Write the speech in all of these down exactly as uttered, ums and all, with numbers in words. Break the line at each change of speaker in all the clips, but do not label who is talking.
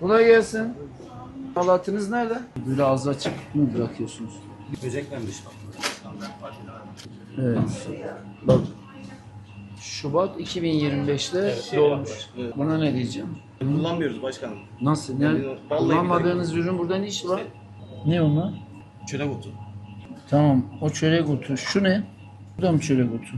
Kolay gelsin. Halatınız nerede? Böyle ağzı açık mı bırakıyorsunuz?
Böceklenmiş.
Evet. Bak. Şubat iki bin yirmi beşte
Evet,
doğmuş.
evet.
Buna ne diyeceğim?
Kullanmıyoruz başkanım.
Nasıl? Yani
Vallahi
kullanmadığınız ürün burada ne işi var? Ne onlar?
Çörek otu.
Tamam. O çörek otu. Şu ne? Bu da mı çörek otu?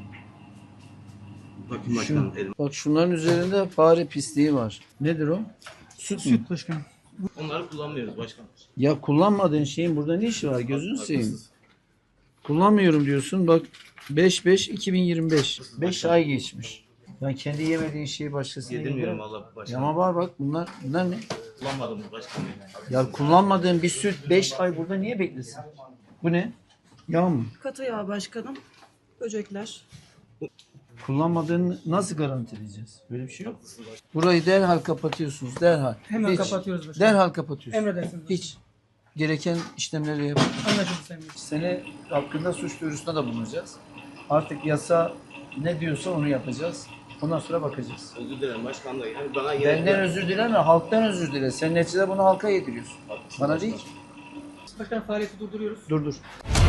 Bakın
Şu,
başkanım elim.
bak şunların üzerinde fare pisliği var. Nedir o? Süt mü?
Başkanım.
Onları kullanmıyoruz başkanım.
Ya kullanmadığın şeyin burada ne işi var? Gözünü seveyim.
Haklısınız.
Kullanmıyorum diyorsun. Bak beş beş iki bin yirmi beş. beş ay geçmiş. Ben kendi yemediğin şeyi başkasına
Yedirmiyorum
yedirir.
valla
Ya
başkanım.
ama var bak bunlar bunlar ne?
Kullanmadım başkanım.
Ya kullanmadığın bir süt beş ay burada niye beklesin? Bu ne? Yağ mı?
Katı yağ başkanım. Böcekler.
Kullanmadığını nasıl garantileyeceğiz? Böyle bir şey yok. Burayı derhal kapatıyorsunuz. Derhal.
Hemen
Hiç.
kapatıyoruz başkanım.
Derhal kapatıyorsunuz.
Emredersiniz.
Hiç. Gereken işlemleri yapın.
Anlaşıldı Sayın Bey.
Seni hakkında suç duyurusunda da bulunacağız. Artık yasa ne diyorsa onu yapacağız. Ondan sonra bakacağız.
Özür dilerim başkanım da. Yani bana yine...
Benden özür dileme, halktan özür dile. Sen neticede bunu halka yediriyorsun. Bana değil.
Başkanım faaliyeti durduruyoruz.
Dur dur.